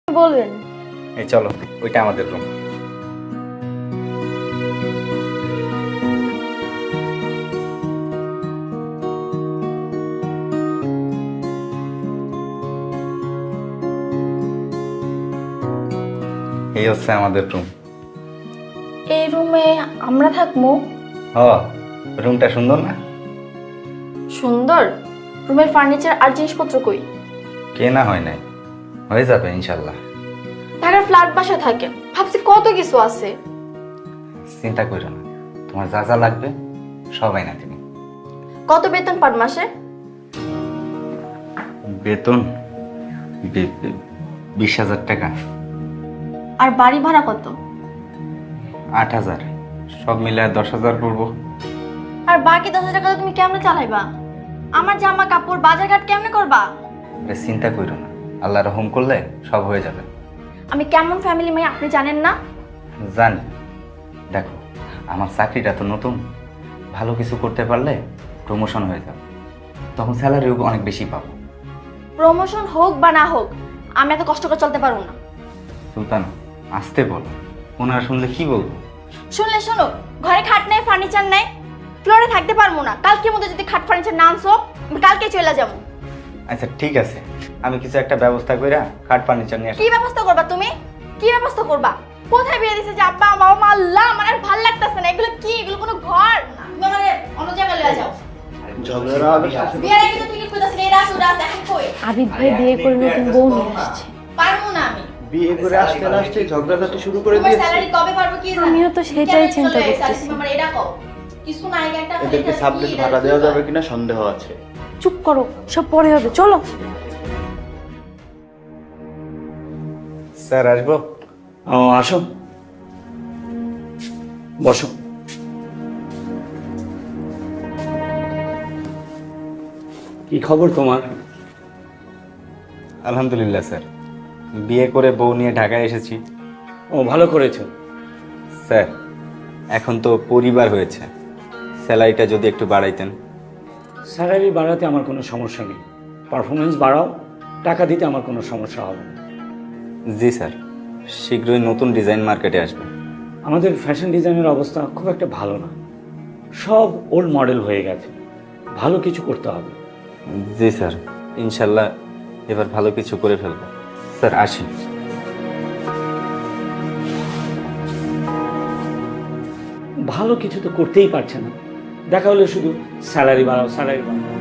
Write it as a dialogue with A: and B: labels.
A: বলবেন?
B: এই চলো, ওইটা আমাদের রুম। এই হচ্ছে আমাদের রুম।
A: এই রুমে আমরা থাকবো?
B: ও, রুমটা সুন্দর না?
A: সুন্দর। রুমের ফার্নিচার আর জিনিসপত্র কই?
B: কেনা হয় নাই, হয়ে যাবে ইনশাল্লাহ।
A: ঢাকার ফ্ল্যাট বাসায় থাকেন, ভাবছি কত কিছু আছে।
B: চিন্তা করো না, তোমার যা যা লাগবে সবাই না তুমি।
A: কত বেতন পার মাসে?
B: বেতন 20,000 টাকা।
A: আর বাড়ি ভাড়া কত?
B: 8,000, সব মিলে 10,000 পড়বো।
A: আর বাকি 10,000 টাকা তুমি কেমনে চালাইবা? আমার জামা কাপড় বাজারঘাট কেমনে করবা?
B: আরে চিন্তা করো না, আল্লাহ রহম করলে সব হয়ে যাবে।
A: আমি কেমন ফ্যামিলি মেয়ে আপনি জানেন না?
B: জানি। দেখো, আমার চাকরিটা তো নতুন, ভালো কিছু করতে পারলে প্রমোশন হয়ে যাবে, তখন স্যালারিও অনেক বেশি পাবো।
A: প্রমোশন হোক বা না হোক, আমি এত কষ্ট করে চলতে পারবো না।
B: সুলতান, আসতে বলো, ওনারা শুনলে কি বলবো?
A: শুনলে শোনো, ঘরে খাট নেই, ফার্নিচার নেই, ফ্লোরে থাকতে পারবো না। কালকের মধ্যে যদি খাট ফার্নিচার না আনছো, আমি কালকে চলে যাবো।
B: আচ্ছা ঠিক আছে, আমি কিছু একটা ব্যবস্থা কইরা কাঠ ফার্নিচার নিয়ে
A: কি ব্যবস্থা করবা তুমি? কি ব্যবস্থা করবা? কোথায় বিয়ে দিছে যে আব্বা মা আল্লাহ, আমার আর ভালো লাগতেছে না। এগুলো কি? এগুলো কোনো ঘর না। তুমি আমারে অন্য জায়গায় লয়ে যাও।
C: ঝগড়া হবে।
A: বিয়ের আগে তো তুমি কইতাছিলে এই রাত রাত এখন কই?
D: আবিদ ভাই বিয়ে করে নতুন বউ নিয়ে আসছে।
A: পারবো না আমি।
C: বিয়ে করে আসতে না আসতে ঝগড়াঝাটি শুরু করে
A: তোমার
C: দিয়েছে।
A: স্যালারি কবে পারবো কি জানি?
D: আমিও তো সেটাই চিন্তা করতেছি।
A: তুমি আমার এটা কও। কিছু না আগে একটা
C: এদেরকে সাবলেট ভাড়া দেওয়া যাবে কিনা সন্দেহ আছে।
D: চুপ করো, সব পরে হবে, চলো।
B: স্যার আসবো?
E: ও আসো, বসো। কি খবর তোমার?
B: আলহামদুলিল্লাহ স্যার, বিয়ে করে বউ নিয়ে ঢাকায় এসেছি।
E: ও ভালো করেছো।
B: স্যার, এখন তো পরিবার হয়েছে, স্যালারিটা যদি একটু বাড়াইতেন।
E: স্যালারি বাড়াতে আমার কোনো সমস্যা নেই, পারফরমেন্স বাড়াও, টাকা দিতে আমার কোনো সমস্যা হবে না।
B: জি স্যার, শীঘ্রই নতুন ডিজাইন মার্কেটে আসবে।
E: আমাদের ফ্যাশন ডিজাইনের অবস্থা খুব একটা ভালো না, সব ওল্ড মডেল হয়ে গেছে, ভালো কিছু করতে হবে।
B: জি স্যার, ইনশাল্লাহ এবার ভালো কিছু করে ফেলবো। স্যার আসি।
E: ভালো কিছু তো করতেই পারছে না, দেখা হলে শুধু স্যালারি বাড়াও স্যালারি বাড়াও।